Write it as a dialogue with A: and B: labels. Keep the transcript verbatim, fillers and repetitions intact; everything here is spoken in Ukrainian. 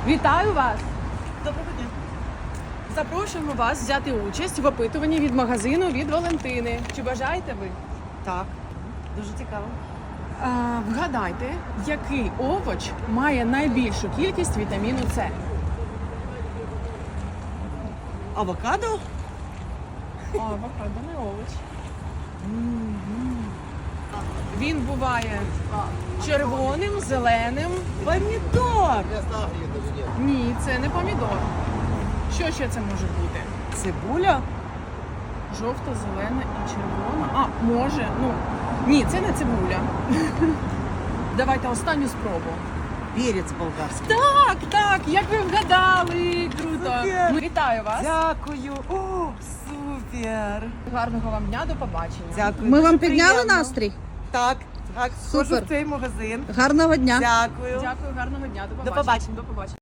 A: Вітаю вас!
B: Доброго дня.
A: Запрошуємо вас взяти участь в опитуванні від магазину від Валентини. Чи бажаєте ви?
B: Так, дуже цікаво.
A: А, вгадайте, який овоч має найбільшу кількість вітаміну С?
B: Авокадо?
A: О, авокадо не овоч. Він буває червоним, зеленим.
B: Помідор!
A: Ні, це не помідор. Що ще це може бути?
B: Цибуля?
A: Жовта, зелена і червона. А, може. Ну, ні, це не цибуля. Давайте останню спробу.
B: Перець болгарський.
A: Так, так, як ви вгадали. Круто.
B: Супер.
A: Ну, вітаю вас.
B: Дякую. О, супер.
A: Гарного вам дня, до побачення.
B: Дякую.
C: Ми
B: дуже
C: вам підняли
B: приємно.
C: настрій?
B: Так, так. Схожу
C: Супер.
B: в цей магазин.
C: Гарного дня.
B: Дякую.
A: Дякую, гарного дня. До побачення.
B: побачення.
A: До побачення.